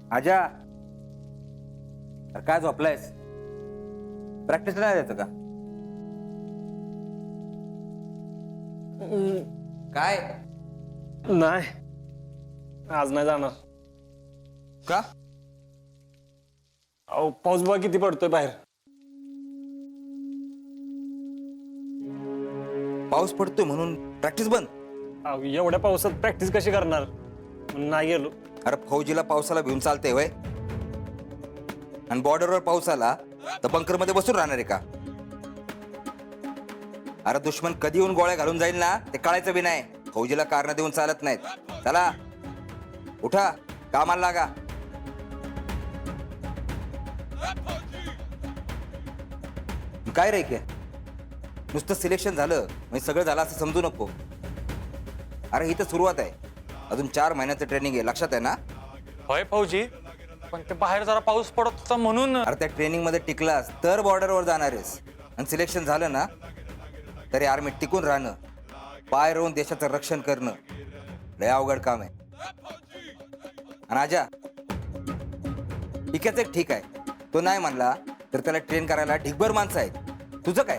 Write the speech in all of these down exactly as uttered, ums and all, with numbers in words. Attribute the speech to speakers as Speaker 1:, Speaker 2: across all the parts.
Speaker 1: आजा, अरे काय झोपलायस? प्रॅक्टिस नाही द्यायचं का? काय
Speaker 2: नाही, आज नाही जाणार.
Speaker 1: का?
Speaker 2: अहो पाऊस बघा किती पडतोय बाहेर.
Speaker 1: पाऊस पडतोय म्हणून प्रॅक्टिस बंद?
Speaker 2: अहो एवढ्या पावसात प्रॅक्टिस कशी करणार, म्हणून नाही गेलो.
Speaker 1: अरे फौजीला पावसाला भिवून चालते वय? आणि बॉर्डरवर पाऊस आला तर बंकर मध्ये बसून राहणार आहे का? अरे दुश्मन कधी येऊन गोळ्या घालून जाईल ना ते कळायचं बी नाही. फौजीला कारण देऊन चालत नाहीत. चला उठा, कामाला लागा. काय रे के नुसतं सिलेक्शन झालं म्हणजे सगळं झालं असं समजू नको. अरे ही तर सुरुवात आहे, अजून चार महिन्याचं ट्रेनिंग आहे, लक्षात आहे ना?
Speaker 3: होय फौजी, पण ते बाहेर जरा पाऊस पडत होता म्हणून.
Speaker 1: अरे त्या ट्रेनिंग मध्ये टिकलास तर बॉर्डरवर जाणार आहेस, आणि सिलेक्शन झालं ना तरी आर्मीत टिकून राहणं, पाय रोवून देशाचं रक्षण करणं लय अवघड काम आहे. आणि आजा टिकायचं एक ठीक आहे, तो नाही म्हणला तर त्याला ट्रेन करायला ढिगभर माणसं आहेत. तुझं काय?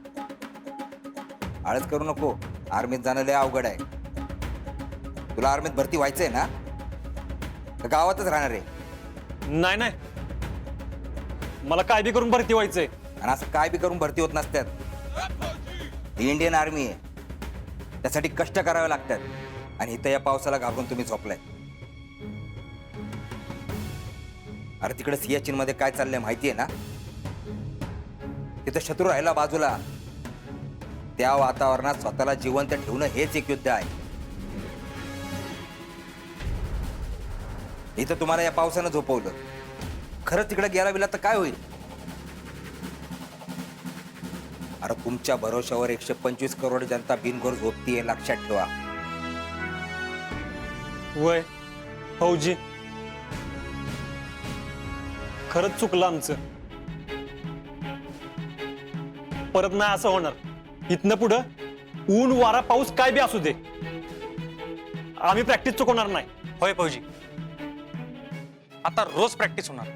Speaker 1: आळस करू नको, आर्मीत जाणं लय अवघड आहे. तुला आर्मीत भरती व्हायचंय ना तर गावातच राहणार आहे.
Speaker 2: नाही नाही, मला काय बी करून भरती व्हायचंय.
Speaker 1: आणि असं काय बी करून भरती होत नसतात. ही इंडियन आर्मी आहे, त्यासाठी कष्ट करावे लागतात. आणि इथं या पावसाला घाबरून तुम्ही झोपलाय. अरे तिकडे सियाचीन मध्ये काय चाललंय माहितीये ना? तिथं शत्रू राहिला बाजूला, त्या वातावरणात स्वतःला जिवंत ठेवणं हेच एक युद्ध आहे. इथं तुम्हाला या पावसानं झोपवलं, खरंच तिकडे गेला बिला तर काय होईल? अरे तुमच्या भरोशावर एकशे पंचवीस करोड जनता बिनघोर झोपतीये, लक्षात ठेवा.
Speaker 2: वय फौजी, खरंच चुकलं आमचं. परत नाही असं होणार. इथनं पुढं ऊन वारा पाऊस काय बी असू दे, आम्ही प्रॅक्टिस चुकवणार नाही.
Speaker 3: होय फौजी, आता रोज प्रॅक्टिस होणार.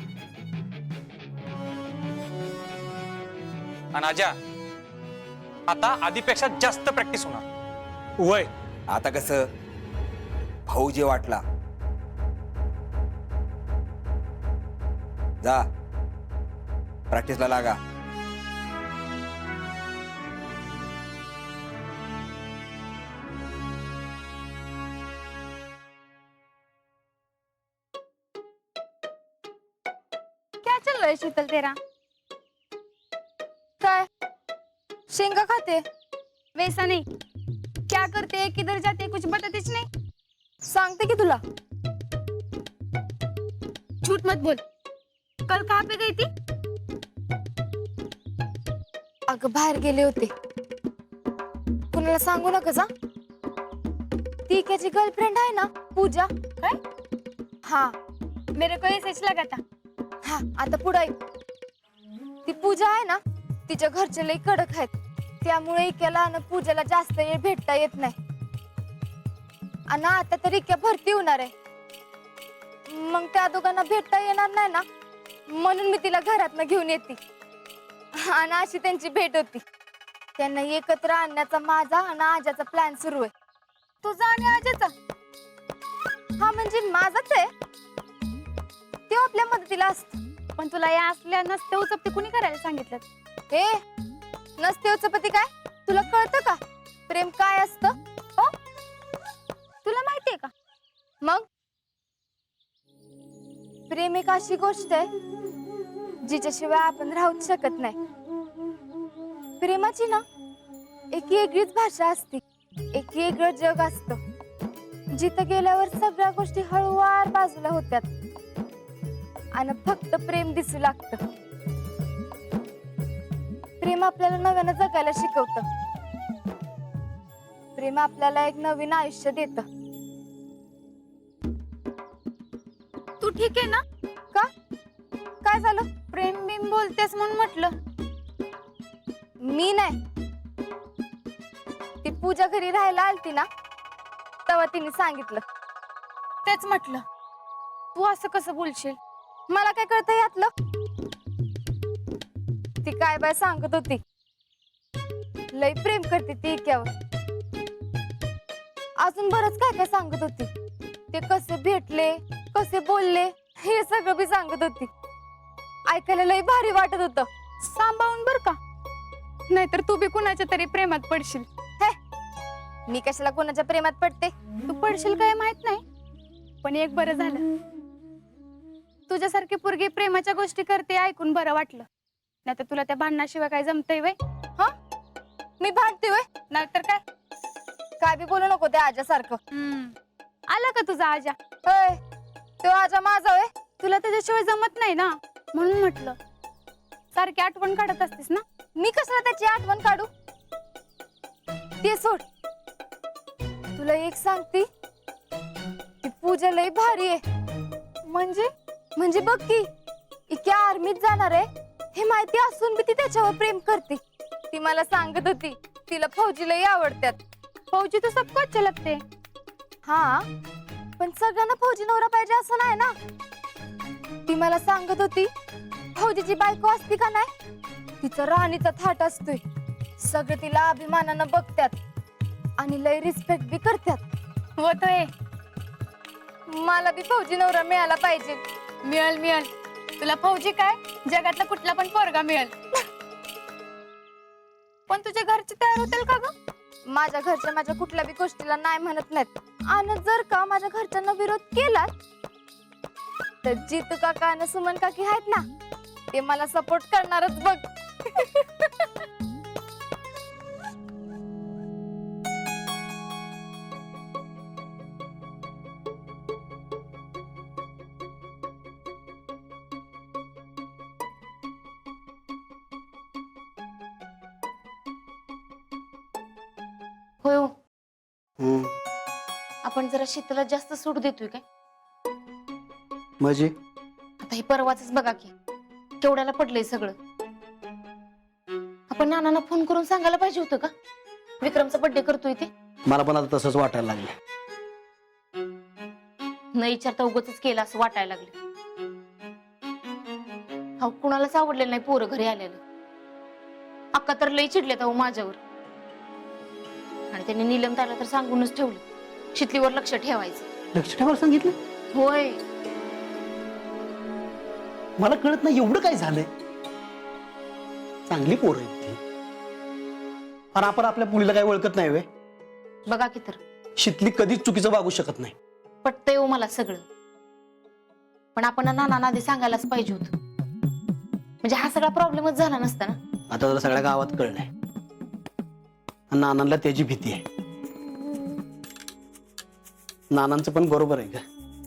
Speaker 3: आणि आजा, आता आधीपेक्षा जास्त प्रॅक्टिस होणार.
Speaker 2: वय
Speaker 1: आता कसं भाऊ जे वाटला, जा प्रॅक्टिसला लागा.
Speaker 4: क्या चल रहा है शीतल तेरा? काय शेंगा खाते? वैसा नहीं, क्या करते, किधर जाते, कुछ बतातेच नहीं. सांगते की तुला. झूठ मत बोल. कल कहाँ पे गई थी? अगं बाहेर गेले होते. कुणाला सांगू नका जा. ती त्याची गर्लफ्रेंड आहे ना पूजा. काय? हाँ, मेरे को ऐसे लगा था. हा आता पुढे ती पूजा आहे ना, तिच्या घरचे लई कडक आहेत, त्यामुळे इक्याला आणि पूजाला जास्त वेळ भेटता येत नाही. आणि आता तर इक्या भरती होणार आहे, मग त्या दोघांना भेटता येणार नाही ना, म्हणून मी तिला घरातनं घेऊन येते. आणि अशी त्यांची भेट होती. त्यांना एकत्र आणण्याचा माझा आणि आजाचा प्लॅन सुरू आहे. तुझा आणि आजाचा? हा म्हणजे माझाच आहे. ते आपल्या मदतीला असत.
Speaker 5: पण तुला या असल्या नसते उचपती कुणी करायला सांगितलं?
Speaker 4: हे नसते उचपती काय तुला कळतं का? प्रेम काय असतं हो? तुला माहितीये का? मग प्रेम एक अशी गोष्ट आहे जिच्याशिवाय आपण राहूच शकत नाही. प्रेमाची ना एक वेगळीच भाषा असते, एक वेगळं जग असतं जिथं गेल्यावर सगळ्या गोष्टी हळूवार बाजूला होत्यात आणि फक्त प्रेम दिसू लागतं. प्रेम आपल्याला नव्यानं जगायला शिकवतं. प्रेम आपल्याला एक नवीन आयुष्य देतं.
Speaker 5: तू ठीक आहे ना?
Speaker 4: का काय झालं?
Speaker 5: प्रेम बिम बोलतेस म्हणून म्हटलं.
Speaker 4: मी नाही, ती पूजा घरी राहायला आलती ना, तेव्हा तिने सांगितलं.
Speaker 5: तेच म्हटलं. तू असं कसं बोलशील?
Speaker 4: मला काय कळतं यातलं? ती काय बाय सांगत होती, लय प्रेम करते ती इक्यावर. अजून बरंच काय काय सांगत होती. ते कसे भेटले, कसे बोलले, हे सगळं बी सांगत होती. ऐकायला लय भारी वाटत होतं.
Speaker 5: सांभाळून बर का, नाहीतर तू बी कुणाच्या तरी प्रेमात पडशील.
Speaker 4: हे, मी कशाला कोणाच्या प्रेमात पडते?
Speaker 5: तू पडशील काय माहित नाही, पण एक बरं झालं, तुझ्यासारखी पोरगी प्रेमाच्या गोष्टी करते ऐकून बरं वाटलं. नाहीतर तुला त्या भांडणाशिवाय काय जमतंय वय?
Speaker 4: हा, मी भांडते वय?
Speaker 5: नाहीतर काय.
Speaker 4: काय बी बोलू नको त्या आजासारखं.
Speaker 5: हम्म, आला का तुझा आजा?
Speaker 4: होय, तो आजा माझा वय?
Speaker 5: तुला त्याच्याशिवाय जमत नाही ना, म्हणून म्हटलं. सारखी आठवण काढत असतेस ना.
Speaker 4: मी कशाला त्याची आठवण काढू? ते सोड. तुला एक सांगती, ती पूजा लय भारी आहे. म्हणजे म्हणजे बघ की, इतक्या आर्मीत जाणार आहे हे माहिती असून बी ती त्याच्यावर प्रेम करते. ती मला सांगत होती तिला फौजी लय आवडतात.
Speaker 5: फौजी तर सबको अच्छे लगते.
Speaker 4: हा, पण सगळ्यांना फौजी नवरा पाहिजे असं नाही ना. ती मला सांगत होती फौजीची बायको असती का नाही, तिचा राणीचा थाट असतोय. सगळे तिला अभिमानानं बघतात आणि लय रिस्पेक्ट बी करतात.
Speaker 5: होतोय.
Speaker 4: मला बी फौजी नवरा मिळाला पाहिजे.
Speaker 5: मिळेल मिळेल, तुला फौजी काय जगातला कुठला पण पोरगा मिळेल. पण तुझ्या घरचे तयार होतील का ग?
Speaker 4: माझ्या घरच्या माझ्या कुठल्या बी गोष्टीला नाही म्हणत नाहीत. आणि जर का माझ्या घरच्यांना विरोध केला तर जितू काका आणि सुमन काकी आहेत ना, ते मला सपोर्ट करणारच बघ.
Speaker 6: होय हो. आपण जरा शीतला जास्त सूट देतोय काय?
Speaker 7: म्हणजे
Speaker 6: आता हे परवाच बघा की केवढ्याला पडलंय सगळं. आपण नानांना फोन करून सांगायला पाहिजे होतं का विक्रमचा बर्थडे करतोय ते?
Speaker 7: मला पण आता तसंच वाटायला लागलं.
Speaker 6: न विचारता उगाचच केलं असं वाटायला लागलं. हा, कुणालाच आवडलेलं नाही पोरं घरी आलेलं. अक्का तर लई चिडल्यात अहो माझ्यावर. आणि त्यांनी नीलम ताईला तर सांगूनच ठेवलं शितलीवर लक्ष ठेवायचं.
Speaker 7: लक्ष ठेवायला सांगितलं?
Speaker 6: होय,
Speaker 7: मला कळत नाही एवढं काय झालंय. चांगली पोरं आहेत ती, आणि आपण आपल्या मुलीला काय ओळखत नाही वे.
Speaker 6: बघा की तर
Speaker 7: शितली कधीच चुकीचं वागू शकत नाही.
Speaker 6: पटतंय हो मला सगळं, पण आपण नानांना आधी सांगायलाच पाहिजे होतं. म्हणजे हा सगळा प्रॉब्लेमच झाला नसता ना.
Speaker 7: आता जर सगळ्या गावात कळलंय, आणि नानांना त्याची भीती आहे. नानांचं पण बरोबर आहे का?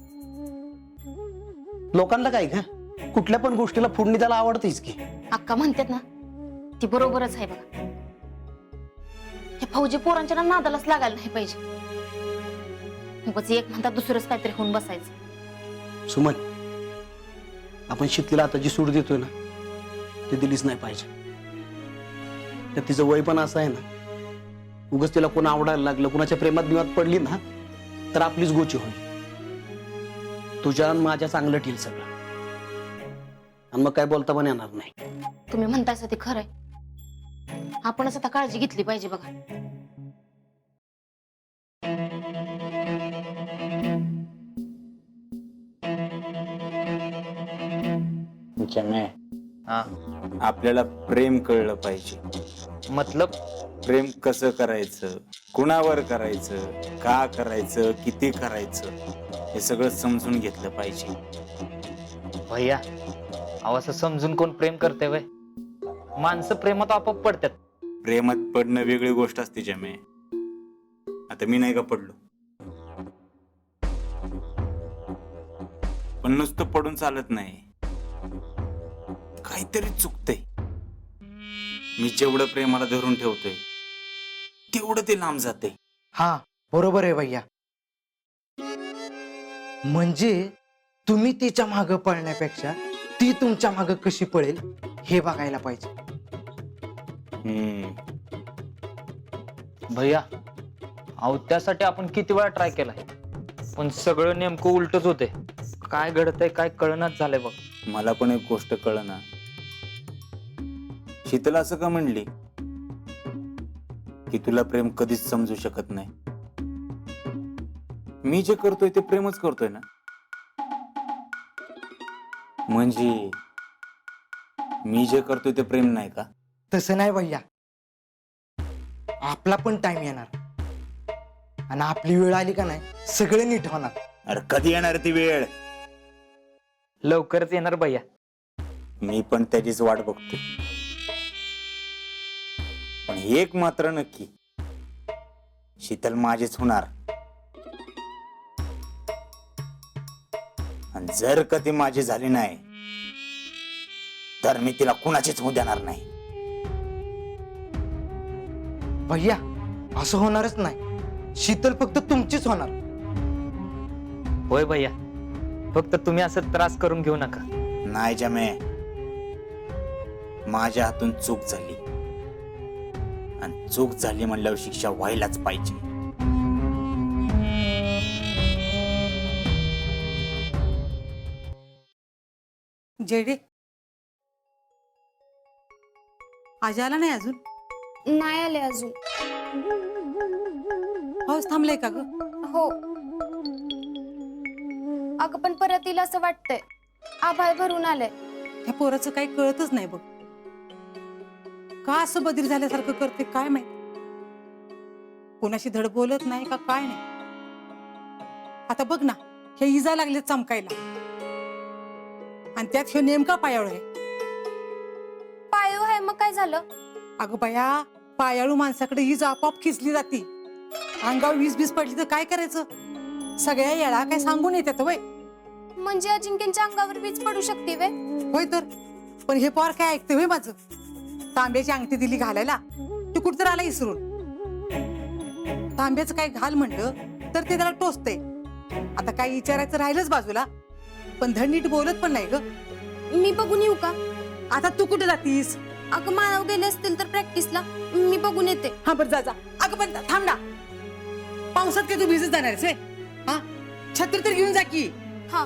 Speaker 7: लोकांना काय का कुठल्या पण गोष्टीला फोडणी त्याला आवडतेच की.
Speaker 6: अक्का म्हणतात ना, ती बरोबरच आहे बघा. हे फौजी पोरांच्या ना नादालाच लागायला नाही पाहिजे. उगाच एक म्हणतात दुसरंच काहीतरी होऊन बसायचं.
Speaker 7: सुमन, आपण शितलीला आता जी सूट देतोय ना, ती दिलीच नाही पाहिजे. तर तिचं वय पण असं आहे ना, उगाच तिला कोण आवडायला लागलं, कुणाच्या प्रेमात बिमात पडली ना, तर आपलीच गोची होईल. तुझ्या आणि माझ्या चांगलं ठेल सगळं, आणि मग काय बोलता पण येणार नाही.
Speaker 6: तुम्ही म्हणताय ते खरंय. आपणच आता काळजी घेतली पाहिजे बघा.
Speaker 8: आपल्याला प्रेम कळलं पाहिजे.
Speaker 3: मतलब
Speaker 8: प्रेम कसं करायचं, कुणावर करायचं, का करायचं, किती करायचं, हे सगळं समजून घेतलं पाहिजे.
Speaker 3: भैया, अहो असं समजून कोण प्रेम करते वय? माणसं प्रेमात आपोआप पडतात.
Speaker 8: प्रेमात पडणं वेगळी गोष्ट असते जमे. आता मी नाही का पडलो, पण नुसतं पडून चालत नाही, काहीतरी चुकतंय. मी जेवढं प्रेमाला धरून ठेवतोय तेवढं ते लांब जाते.
Speaker 9: हा बरोबर आहे भैया. म्हणजे तुम्ही तिच्या मागं पळण्यापेक्षा ती तुमच्या मागं कशी पळेल हे बघायला पाहिजे.
Speaker 8: हम्म
Speaker 3: भैया, अहो त्यासाठी आपण किती वेळा ट्राय केलाय, पण सगळं नेमकं उलटच होते. काय घडतंय काय कळनाच झालंय बघ.
Speaker 8: मला पण एक गोष्ट कळना, शीतल असं का म्हणली की तुला प्रेम कधीच समजू शकत नाही? मी जे करतोय ते प्रेमच करतोय ना. म्हणजे मी जे करतोय ते प्रेम नाही का?
Speaker 9: तसं नाही भैया, आपला पण टाइम येणार आणि आपली वेळ आली का नाही सगळं नीट होणार.
Speaker 8: अरे कधी येणार ती वेळ?
Speaker 3: लवकरच येणार भैया.
Speaker 8: मी पण त्याचीच वाट बघतोय. पण एक मात्र नक्की, शीतल माझीच होणार. आणि जर का ती माझी झाली नाही तर मी तिला कुणाचीच होऊ देणार नाही.
Speaker 9: भैया असं होणारच नाही, शीतल फक्त तुमचीच होणार.
Speaker 3: होय भैया, फक्त तुम्ही असं त्रास करून घेऊ नका.
Speaker 8: नाही जमे, माझ्या हातून चूक झाली आणि चूक झाली म्हणल्यावर शिक्षा व्हायलाच पाहिजे.
Speaker 10: जेडी आज आला नाही अजून?
Speaker 4: नाही आले अजून.
Speaker 10: पाऊस थांबलाय का ग?
Speaker 4: हो. अगं पण परत येईल असं वाटतंय, आभाळ भरून आलंय.
Speaker 10: त्या पोराचं काही कळतच नाही बघ. का असं बदल झाल्यासारखं करते काय माहित. कोणाशी धड बोलत नाही का काय नाही. आता बघ ना, हे इजा लागले चमकायला आणि त्यात हे नेमका पायाळू आहे.
Speaker 4: पायो आहे मग काय झालं?
Speaker 10: अगं बया, पायाळू माणसाकडे हीच आपोआप खिचली जाती. अंगावर वीज बीज पडली तर काय करायचं? सगळ्या येळा काय सांगून येतात वय.
Speaker 4: म्हणजे अजिंक्यच्या अंगावर वीज पडू शकते वे?
Speaker 10: होय तर, पण हे पोर काय ऐकते होय माझं. तांब्याची अंगठी दिली घालायला, तू कुठतर आला इसरून. तांब्याचं काय घाल म्हणलं तर ते त्याला टोचते. आता काय विचारायचं राहिलंच बाजूला, पण धड नीट बोलत पण नाही ग.
Speaker 4: मी बघून येऊ का?
Speaker 10: आता तू कुठे जातीस?
Speaker 4: अगं मानव गेले असतील तर प्रॅक्टिसला, मी बघून येते.
Speaker 10: हा बरं जा जा. अगं पण थांब ना, पावसात काय तू भिजत जाणार आहेस? हा, छत्री तर घेऊन जा की.
Speaker 4: हा.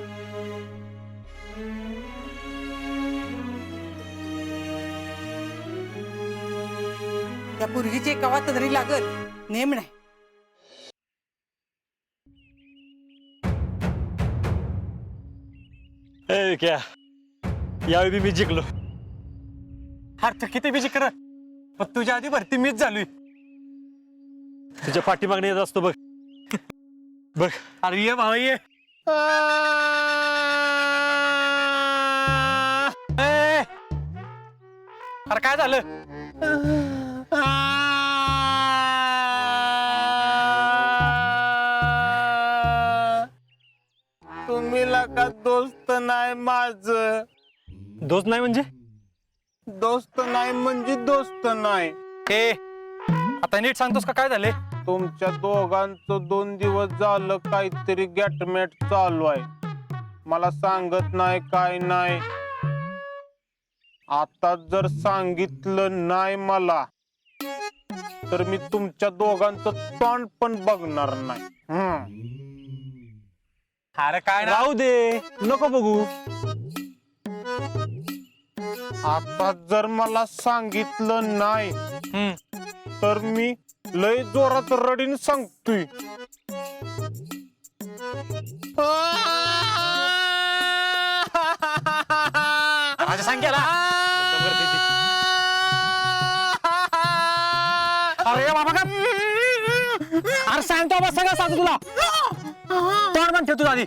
Speaker 10: त्या पोरगीची कवा तरी लागल नेम नाही.
Speaker 2: ए क्या, यावेळी बी मी जिंकलो. अरे तू किती बी जिंकणार, पण तुझ्या आधी भरती मीच झालोय. तुझ्या पाठीमागणे येत असतो बघ. बघ अरे ये भावा ये. ए, अरे काय झालं?
Speaker 8: तुम्ही का दोस्त नाही माझ?
Speaker 2: दोस्त नाही म्हणजे?
Speaker 8: दोस्त नाही म्हणजे दोस्त नाही.
Speaker 2: ए आता नीट सांगतोस का काय झाले?
Speaker 8: तुमच्या दोघांचं दोन दिवस झालं काहीतरी गॅटमॅट चालू आहे. मला सांगत नाही काय नाही. आता जर सांगितलं नाही मला तर मी तुमच्या दोघांचं तोंड पण बघणार नाही. हम्म.
Speaker 2: अरे काय राहू दे, नको बघू.
Speaker 8: आता जर मला सांगितलं नाही तर मी लय जोरात रडीन सांगतोय.
Speaker 2: माझ्या सांग्याला अरे बाबा का अरे सांगतो बस सगळं सांगतो तुला. तोंड पण ठेव तुझा आधी.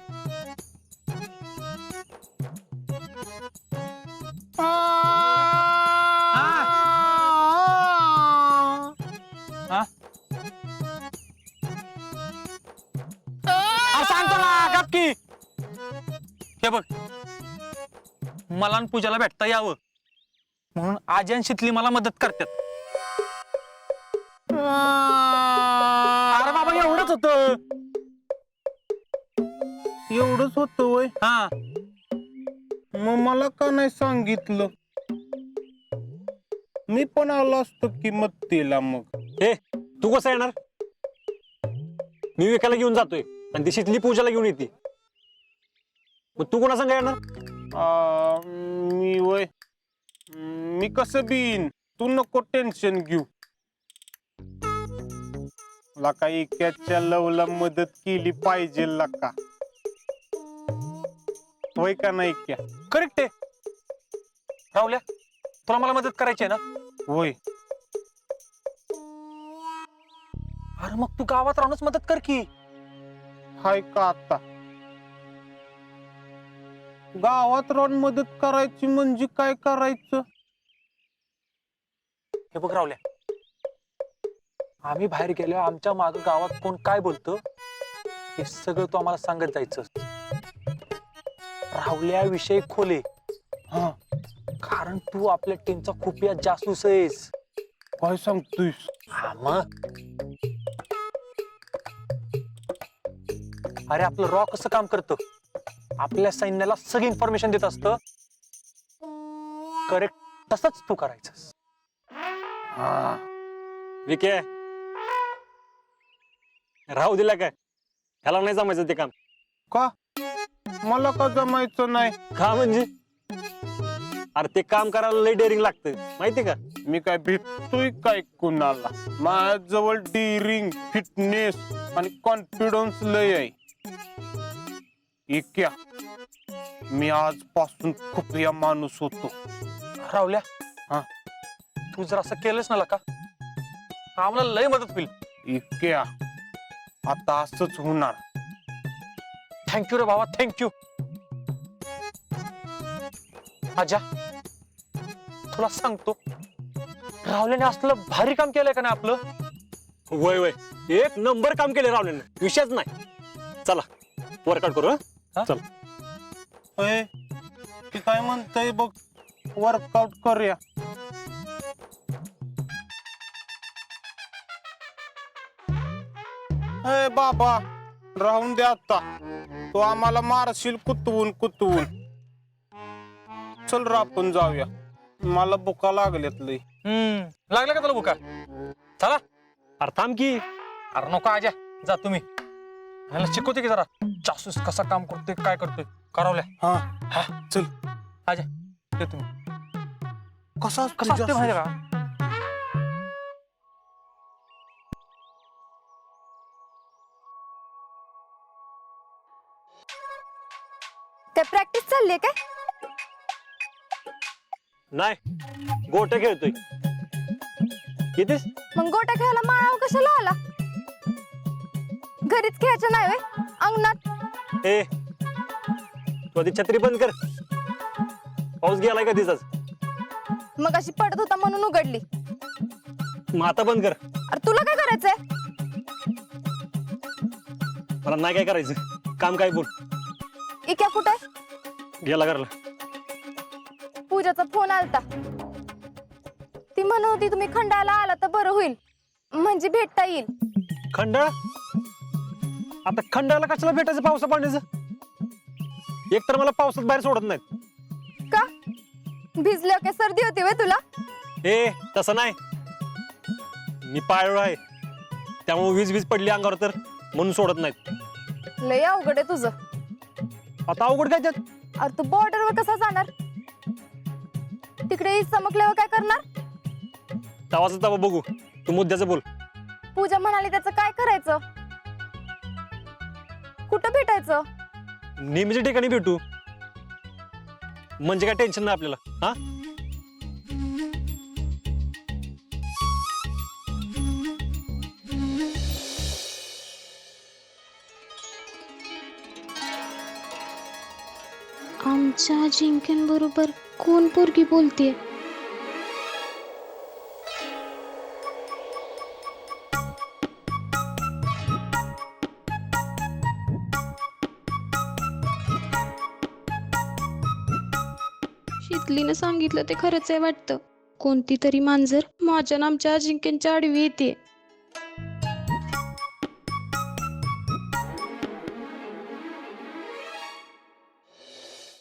Speaker 2: सांगतो ना गपकी. हे बघ, मला आणि पूजाला भेटता यावं म्हणून आजी आणि शितली मला मदत करतात. अरे बाबा एवढंच होत.
Speaker 8: एवढंच होत वय?
Speaker 2: हा
Speaker 8: मग मला का नाही सांगितलं? मी पण आलो असतो की मत्तीला. मग
Speaker 2: ए तू कसं येणार? मी विकायला घेऊन जातोय आणि ती शितली पूजाला घेऊन येते. मग तू कोणा संग येणार?
Speaker 8: आ, मी वय मी कसं बीन, तू नको टेन्शन घेऊ. लका इक्याच्या लवला मदत केली पाहिजे लका, होय का नाही क्या?
Speaker 2: करेक्ट आहे राहुल्या, तुला मला मदत करायची आहे ना?
Speaker 8: होय.
Speaker 2: अरे मग तू गावात राहूनच मदत कर की.
Speaker 8: हाय का आता गावात राहून मदत करायची म्हणजे काय करायचं?
Speaker 2: हे बघ राहुल्या, आम्ही बाहेर गेलो, आमच्या माग गावात कोण काय बोलतं हे सगळं तू आम्हाला सांगत जायचं. राहुल्याविषयी खोले,
Speaker 8: हा,
Speaker 2: कारण तू आपल्या टीमचा खुफिया जासूस आहेस.
Speaker 8: काय सांगतोयस?
Speaker 2: हा मग. अरे आपलं रॉ कसं काम करतं, आपल्या सैन्याला सगळी इन्फॉर्मेशन देत असतं. करेक्ट तसंच तू करायचंस.
Speaker 8: हा,
Speaker 2: विके राहू दिला काय? ह्याला नाही जमायचं ते काम.
Speaker 8: का मला का जमायचं नाही?
Speaker 2: का म्हणजे? अरे ते काम करायला लय डेअरिंग लागतं माहिती का?
Speaker 8: मी काय भेटतोय काय कुणाला? माझ्याजवळ डिरिंग, फिटनेस आणि कॉन्फिडन्स लय आहे. इक्या, मी आजपासून खूप या माणूस होतो.
Speaker 2: राहुल्या,
Speaker 8: हा,
Speaker 2: तू जर असं केलंस ना का आम्हाला लय मदत होईल.
Speaker 8: इक्या, आता असंच होणार.
Speaker 2: थँक्यू रे बाबा, थँक्यू. आजा, तुला सांगतो, राहुल्याने असलं भारी काम केलंय का नाही आपलं? वय वय एक नंबर काम केलं राहुल्याने, विषयच नाही. चला वर्कआउट करू. हा चल.
Speaker 8: अय, ती काय म्हणतंय बघ, वर्कआउट करूया. अय बाबा, राहून दे आता, तू आम्हाला मारशील कुतवून कुतवून. चल रा आपण जाऊया, मला बुका लागल्यात लय.
Speaker 2: हम्म लागला का तुला बुका? चला. अरे थांब की. अरे नको आजा, जा तुम्ही. ह्याला शिकवते की जरा जासूस कसा काम करतोय, काय करतोय. करावल्या.
Speaker 8: हा
Speaker 2: हा
Speaker 8: चल.
Speaker 2: आजा ते तुम्ही.
Speaker 8: कसा
Speaker 2: कसं असते माहिती का?
Speaker 4: काय प्रॅक्टिस चालली आहे काय?
Speaker 2: नाही, गोटे खेळतोय. कितीस?
Speaker 4: मग गोट्या खेळायला माळावर कशाला आला? घरीच खेळायचं नाही व्हय? अंगणात?
Speaker 2: ए तू आधी छत्री बंद कर. पाऊस गेलाय का दिसाच?
Speaker 4: मग अशी पडत होता म्हणून उघडली.
Speaker 2: मग आता बंद कर.
Speaker 4: अरे तुला काय करायचंय?
Speaker 2: मला नाही काय करायचं, काम काय बोल.
Speaker 4: इक्या कुठे?
Speaker 2: गेला घरला.
Speaker 4: पूजाचा फोन आलता, ती म्हणत होती तुम्ही खंडाला आला तर बरं होईल, म्हणजे भेटता येईल.
Speaker 2: खंडाळा? आता खंडाळाला कशाला भेटायचं पावसा पाण्याचं? एक तर मला पावसात बाहेर सोडत नाहीत.
Speaker 4: का? भिजल्यावर काय सर्दी होती व्हय तुला?
Speaker 2: ए तसं नाही, मी पाळलो आहे, त्यामुळे वीज वीज पडली अंगावर तर म्हणून सोडत नाहीत.
Speaker 4: लय अवघड आहे तुझं.
Speaker 2: आता अवघड काय त्यात?
Speaker 4: अरे तू बॉर्डरवर कसा जाणार? तिकडे चमकल्यावर काय करणार?
Speaker 2: तवाचं तवा बघू, तू मुद्द्याचं बोल.
Speaker 4: पूजा म्हणाली त्याचं काय करायचं? कुठं भेटायचं?
Speaker 2: नेहमीच्या ठिकाणी भेटू, म्हणजे काय टेन्शन नाही आपल्याला. हा
Speaker 11: आमच्या अजिंक्यांबरोबर कोण पोरगी बोलतेय? शीतलीनं सांगितलं ते खरंच आहे वाटतं. कोणती तरी मांजर माझ्या नामच्या अजिंक्यांच्या आडवी येते.